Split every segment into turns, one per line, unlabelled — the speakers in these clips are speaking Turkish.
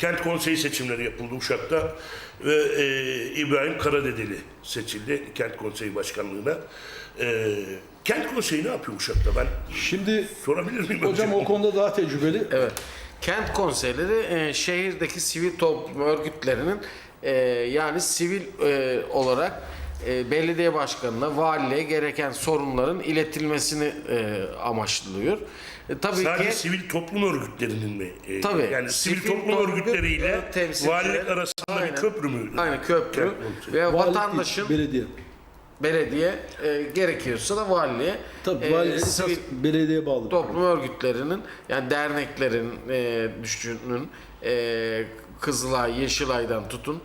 Kent konseyi seçimleri yapıldı Uşak'ta ve İbrahim Karadedeli seçildi kent konseyi başkanlığına. Kent konseyi ne yapıyor Uşak'ta? Ben
Şimdi
sorabilir miyim?
hocam o konuda daha tecrübeli.
Evet. Kent konseyleri şehirdeki sivil toplum örgütlerinin yani sivil olarak belediye başkanına, valiliğe gereken sorunların iletilmesini amaçlıyor. Tabii
Sadece
ki
sivil toplum örgütlerinin mi?
Tabii.
Yani sivil
Sivil
toplum
toplum
örgütleriyle
temsilcileri,
valilik arasında
aynen,
bir köprü mü?
Aynen köprü
Kent konseyi.
ve
Valilik
vatandaşın
değil, belediye.
gerekiyorsa da valiliğe
Tabii valilik esas
sivil
belediyeye bağlı.
toplum örgütlerinin yani derneklerin düşünün Kızılay, Yeşilay'dan tutun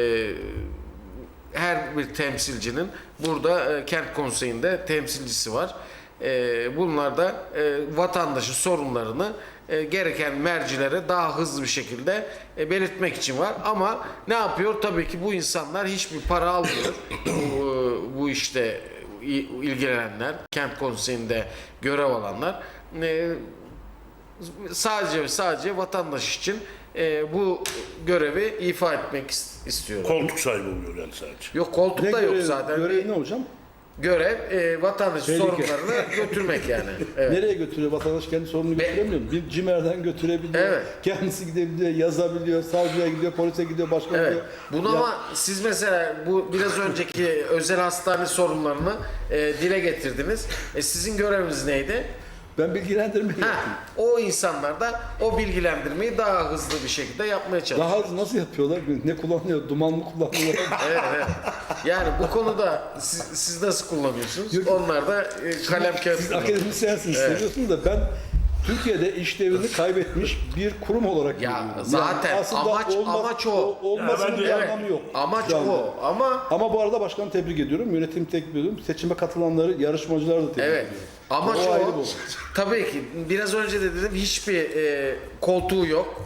her bir temsilcinin burada kent konseyinde temsilcisi var. Bunlar da vatandaşın sorunlarını gereken mercilere daha hızlı bir şekilde belirtmek için var. Ama ne yapıyor? Tabii ki bu insanlar hiçbir para almıyor. Bu işte ilgilenenler, kent konseyinde görev alanlar sadece vatandaş için bu görevi ifa etmek istiyor.
Koltuk sahibi oluyor yani sadece.
Yok koltuk da yok zaten.
Görev ne hocam?
Görev vatandaşın
Tehlike.
sorunlarını götürmek yani. Evet.
Nereye götürüyor? Vatandaş kendi sorununu götüremiyor mu? Bir cimerden götürebiliyor.
Evet.
Kendisi gidebiliyor, yazabiliyor, savcıya gidiyor, polise gidiyor, başka
Evet.
gidiyor.
Bunu
Ya-
ama siz mesela bu biraz önceki özel hastane sorunlarını dile getirdiniz. Sizin göreviniz neydi?
Ben bilgilendirme yaptım.
O insanlar da o bilgilendirmeyi daha hızlı bir şekilde yapmaya çalışıyor.
Daha az nasıl yapıyorlar? Ne kullanıyor? Duman mı kullanıyorlar?
Evet. Yani bu konuda siz nasıl kullanıyorsunuz?
Yok.
Onlar da kalem kağıt
Siz
kullanıyor.
akademisyensiniz, seviyorsunuz da ben Türkiye'de işlevini kaybetmiş bir kurum olarak
Ya
görüyorum.
zaten
Yani aslında
amaç o.
Olmasının
Ya ben de-
bir
Evet,
anlamı yok.
amaç
şu anda.
o ama
Ama bu arada başkanı tebrik ediyorum, yönetimi tebrik ediyorum. Seçime katılanları, yarışmacıları da tebrik
evet.
ediyorum.
Amaç
O ayrı
o.
bu.
Tabii ki biraz önce de dedim hiçbir koltuğu yok.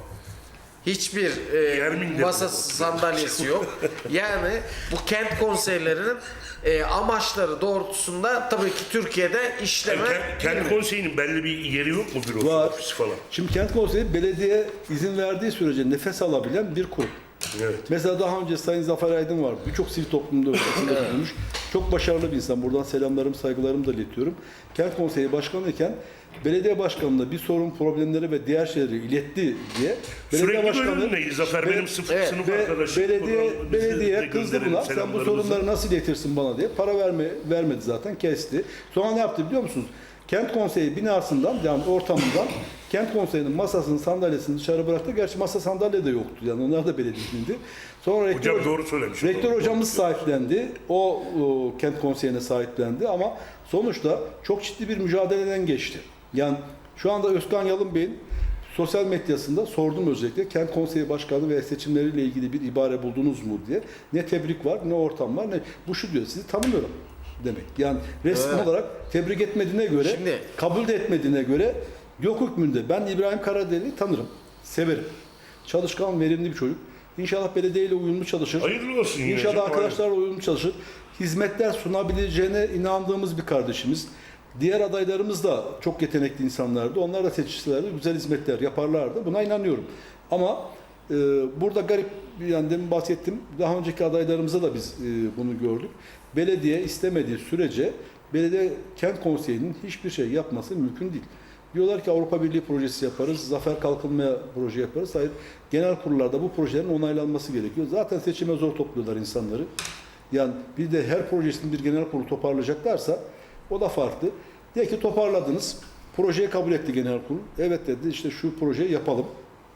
Hiçbir
Yermin de
masa
yok.
sandalyesi yok. Yani bu kent konseylerinin amaçları doğrultusunda tabii ki Türkiye'de işleme
Kent konseyinin belli bir yeri yok mu, bürosu,
Var.
ofisi falan?
Şimdi kent konseyi belediye izin verdiği sürece nefes alabilen bir kurum.
Evet.
Mesela daha önce Sayın Zafer Aydın vardı. Birçok sivil toplumda bulunmuş. Çok başarılı bir insan. Buradan selamlarım, saygılarımı da iletiyorum. Kent konseyi başkanı iken belediye başkanına bir sorun, problemleri ve diğer şeyleri iletti diye
Sürekli bölüm neydi? Zafer benim sınıf arkadaşım.
belediye kızdı buna. Sen bu sorunları nasıl iletirsin bana diye. Para vermedi zaten, kesti. Sonra ne yaptı biliyor musunuz? Kent konseyi binasından, yani ortamından kent konseyinin masasını, sandalyesini dışarı bıraktı. Gerçi masa sandalye de yoktu. Yani onlar da belediye'nindi. Sonra
Hocam doğru söylemiş.
rektör hocamız sahiplendi. O kent konseyine sahiplendi ama sonuçta çok ciddi bir mücadeleden geçti. Yani şu anda Özkan Yalın Bey'in sosyal medyasında sordum özellikle kent konseyi başkanı ve seçimleriyle ilgili bir ibare buldunuz mu diye. Ne tebrik var, ne ortam var, ne bu şu diyor. Sizi tanımıyorum demek. Yani resmi
Evet.
olarak tebrik etmediğine göre,
Şimdi-
kabul de etmediğine göre yok hükmünde. Ben İbrahim Karadeli'yi tanırım, severim. Çalışkan, verimli bir çocuk. İnşallah belediyeyle uyumlu çalışır.
Hayırlı olsun yine
İnşallah
hocam,
arkadaşlarla uyumlu çalışır. Hizmetler sunabileceğine inandığımız bir kardeşimiz. Diğer adaylarımız da çok yetenekli insanlardı. Onlar da seçilselerdi güzel hizmetler yaparlardı. Buna inanıyorum. Ama burada garip, yani demin bahsettim. Daha önceki adaylarımıza da biz bunu gördük. Belediye istemediği sürece belediye kent konseyinin hiçbir şey yapması mümkün değil. Diyorlar ki Avrupa Birliği projesi yaparız, zafer kalkınmaya proje yaparız. Hayır, genel kurullarda bu projelerin onaylanması gerekiyor. Zaten seçime zor topluyorlar insanları. Yani bir de her projesini bir genel kurul toparlayacaklarsa o da farklı. De ki toparladınız, projeyi kabul etti genel kurul. Evet dedi, işte şu projeyi yapalım.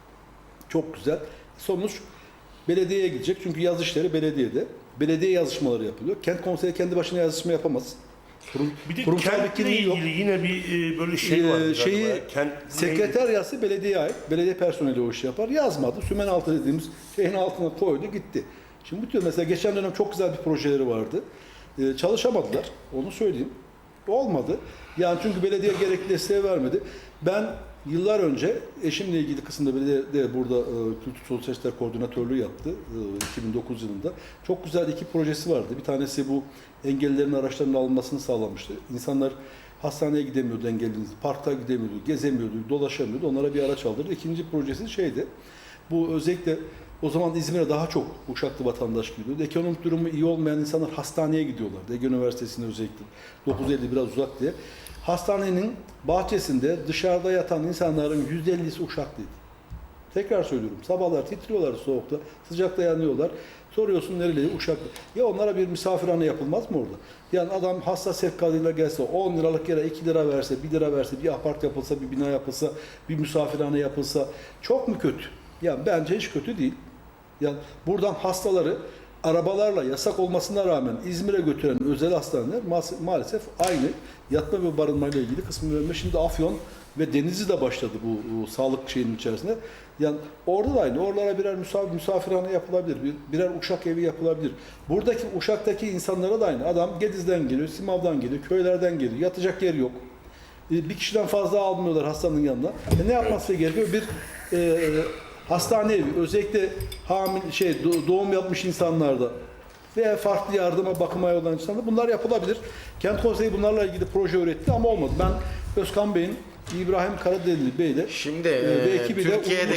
Çok güzel. Sonuç belediyeye gidecek çünkü yaz işleri belediyede. Belediye yazışmaları yapılıyor. Kent konseyi kendi başına yazışma yapamaz.
Bir de
Kurumsal bir
kentle
kimliği yok.
ilgili yine bir böyle şey var.
Sekreteryası belediye ait. Belediye personeli o işi yapar. Yazmadı. Sümen altı dediğimiz şeyin altına koydu gitti. Şimdi bu tür mesela geçen dönem çok güzel bir projeleri vardı. Çalışamadılar. Onu söyleyeyim. Olmadı. Yani çünkü belediye gerekli desteği vermedi. Ben yıllar önce eşimle ilgili kısımda belediye burada Kültür Sosyal İşler Koordinatörlüğü yaptı 2009 yılında. Çok güzel iki projesi vardı. Bir tanesi bu engellilerin araçlarının alınmasını sağlamıştı. İnsanlar hastaneye gidemiyordu engelli, parkta gidemiyordu, gezemiyordu, dolaşamıyordu. Onlara bir araç aldırdı. İkinci projesi şeydi. Bu özellikle o zaman İzmir'e daha çok Uşaklı vatandaş gidiyordu. Ekonomik durumu iyi olmayan insanlar hastaneye gidiyorlar. Ege Üniversitesi'ne özellikle 950 biraz uzak diye. Hastanenin bahçesinde dışarıda yatan insanların %50'si Uşaklıydı. Tekrar söylüyorum. Sabahlar titriyorlar soğukta, sıcakta yanıyorlar. Soruyorsun nereli? Uşaklı. Ya onlara bir misafirhane yapılmaz mı orada? Yani adam hasta sevkadıyla gelse, 10 liralık yere 2 lira verse, 1 lira verse, bir apart yapılsa, bir bina yapılsa, bir misafirhane yapılsa çok mu kötü? Yani bence hiç kötü değil. Yani buradan hastaları arabalarla yasak olmasına rağmen İzmir'e götüren özel hastaneler maalesef aynı yatma ve barınma ile ilgili kısmı verme. Şimdi Afyon ve Denizli'de başladı bu sağlık şeyinin içerisinde. Yani orada da aynı. Oralara birer misafirhane yapılabilir. Birer uşak evi yapılabilir. Buradaki Uşak'taki insanlara da aynı. Adam Gediz'den geliyor, Simav'dan geliyor, köylerden geliyor. Yatacak yer yok. Bir kişiden fazla almıyorlar hastanın yanına. Ne yapması gerekiyor? Bir hastane evi, özellikle doğum yapmış insanlarda veya farklı yardıma, bakıma olan insanlarda bunlar yapılabilir. Kent Konseyi bunlarla ilgili proje üretti ama olmadı. Ben Özkan Bey'in İbrahim Karadeli Bey'le
Şimdi
ve ekibiyle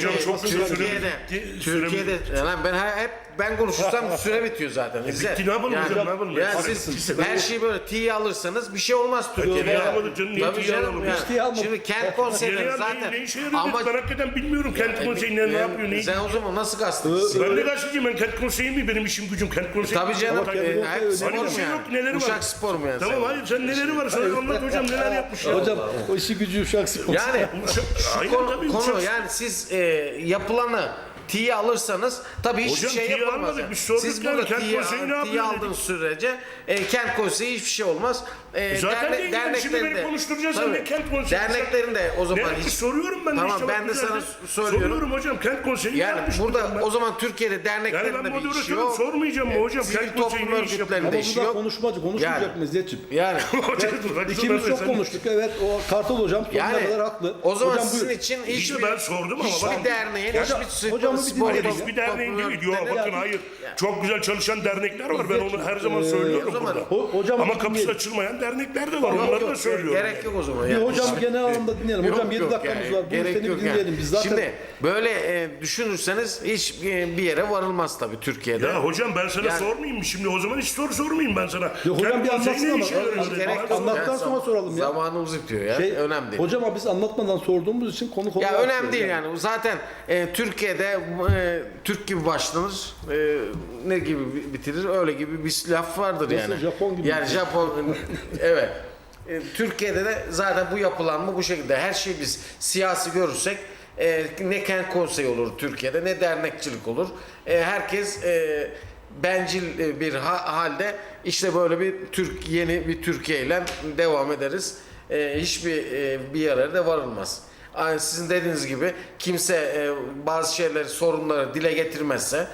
Türkiye'de yani ben konuşursam süre bitiyor zaten.
Bitti, ne yapalım hocam, ne yapalım?
Yani siz her şeyi böyle tiye alırsanız bir şey olmaz Türkiye'de.
Ne yapalım canım, niye
Tabii
tiye
canım
alalım?
yani.
Tiye almadık.
Şimdi kent konseyleri zaten
Ne işe yarıyor?
ama
Ben hakikaten bilmiyorum kent konseyinde ne yapıyor, ne.
sen o zaman nasıl gazetecisin?
Ben de gazeteciyim, ben kent konseyi mi? Benim işim gücüm kent konseyi.
Tabii canım.
Ama kendi
Spor
Hani
mu
bir şey
yani?
yok, neleri var?
Uşak spor mu yani?
Tamam,
sen?
hayır, sen neleri var? Sana anlat hocam, neler yapmış ya.
hocam o işi gücü Uşak Spor.
Yani
Aynen tabii,
konu yani siz yapılanı tiye alırsanız tabii hiçbir
Hocam,
şey
tiye
yapılmaz.
almadık,
Yani.
biz sorduk
Siz
yani,
burada
kent konseyi ne yapıyor
tiye
dedik.
aldığınız sürece kent konseyi hiçbir şey olmaz.
Zaten değil, şimdi beni konuşturacaksın,
tabii,
ne kent konseyi?
derneklerin de o zaman
Ne?
hiç
Soruyorum ben de
Tamam,
işte.
ben
bak
de sana
güzel
söylüyorum.
Soruyorum hocam, kent konseyi
yani
yapmış
burada
ben.
o zaman Türkiye'de
Yani
derneklerin
ben
de bir işi
moderatörüm,
yok.
sormayacağım mı hocam?
Sivil
Kent konseyi
toplum
ne iş yapıyor?
örgütlerinde
Ama
de işi
burada
yok.
konuşmayacak
Yani.
Mezzetçim.
Yani
İkimiz çok konuştuk. Evet, o Kartal hocam sonuna
Yani
kadar haklı.
o zaman
hocam,
sizin
buyur.
için
İşte ben sordum ama
hiçbir
bak-
derneğin,
Hocam-
hiçbir
hocamı bir
spor
dinleyelim.
Hiçbir derneğin değil. Yok
örgütlerine-
bakın, hayır. Çok güzel çalışan dernekler var. Ben onu her zaman
o
söylüyorum
zaman-
burada.
Hocam
Ama kapısı
dinleyelim.
açılmayan dernekler de var.
Yok,
Onları da
yok,
söylüyorum.
gerek yok o zaman.
Bir
Yani.
hocam genel anlamda dinleyelim. Hocam
Yok,
7
yok
dakikamız
yani,
var. Buyur
gerek
seni bir
yok
dinleyelim.
yani.
Biz zaten
Şimdi böyle düşünürseniz hiç bir yere varılmaz tabii Türkiye'de.
Ya hocam ben sana
Yani-
sormayayım mı şimdi? O zaman hiç soru sormayayım ben sana.
Yok hocam,
Kent
bir
konseyi
anlatsın
ne
ama.
işe yarıyor
Hiç
dedi.
gerek
Bana
yok.
anlattıktan sonra soralım ya.
Zamanımız bitiyor ya. Önemli değil.
Hocam ama biz anlatmadan sorduğumuz için konu
Ya
açıyoruz
önemli değil yani. Zaten Türkiye'de Türk gibi başlanır, ne gibi bitirir öyle gibi bir laf vardır
Nasıl,
yani.
Japon gibi
Yani
bitirir.
Japon evet. Türkiye'de de zaten bu yapılanma bu şekilde. Her şeyi biz siyasi görürsek ne kent konseyi olur Türkiye'de ne dernekçilik olur. Herkes bencil bir halde işte böyle yeni bir Türkiye ile devam ederiz. Hiçbir bir yere de varılmaz. Yani sizin dediğiniz gibi kimse bazı şeyleri, sorunları dile getirmezse,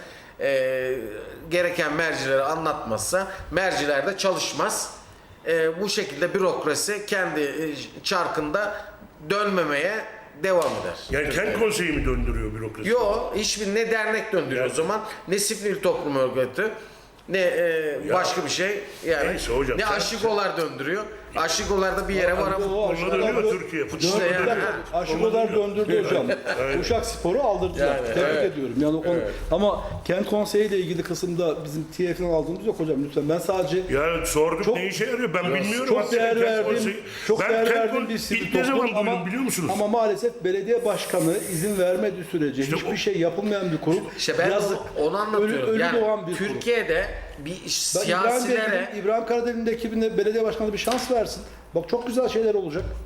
gereken mercilere anlatmazsa merciler de çalışmaz. Bu şekilde bürokrasi kendi çarkında dönmemeye devam eder.
Yani kent konseyi mi döndürüyor bürokrasi?
Yok, hiçbir ne dernek döndürüyor o zaman, ne sivil toplum örgütü, ne başka bir şey. Yani
Neyse hocam,
ne
sen-
aşigolar döndürüyor. Aşigolar bir yere varamıyor.
Onlar dönüyor Türkiye.
İşte yani.
Aşıkolar döndürdü hocam. Uşak Spor'u aldırdılar.
Yani,
Tebrik ediyorum. Yani o konu. Ama kent konseyi ile ilgili kısımda bizim TF'den aldığımız yok hocam lütfen. Ben sadece
Ya sorduk
Çok-
ne işe yarıyor ben bilmiyorum.
çok
Hakikaten
değer
kent
verdiğim,
konseyi-
çok
Ben
değer
kent
verdiğim
kon-
bir sivil
İlk ne zaman
toplum
duydum biliyor musunuz?
ama maalesef belediye başkanı izin vermediği sürece
İşte
hiçbir
o-
şey yapılmayan bir kurum.
İşte ben
Yazık.
onu anlatıyorum.
Ölü
yani
doğan bir kurum.
Türkiye'de bir
Ben
siyasilere
İbrahim Karadeli'nin ekibine belediye başkanı bir şans versin. Bak çok güzel şeyler olacak.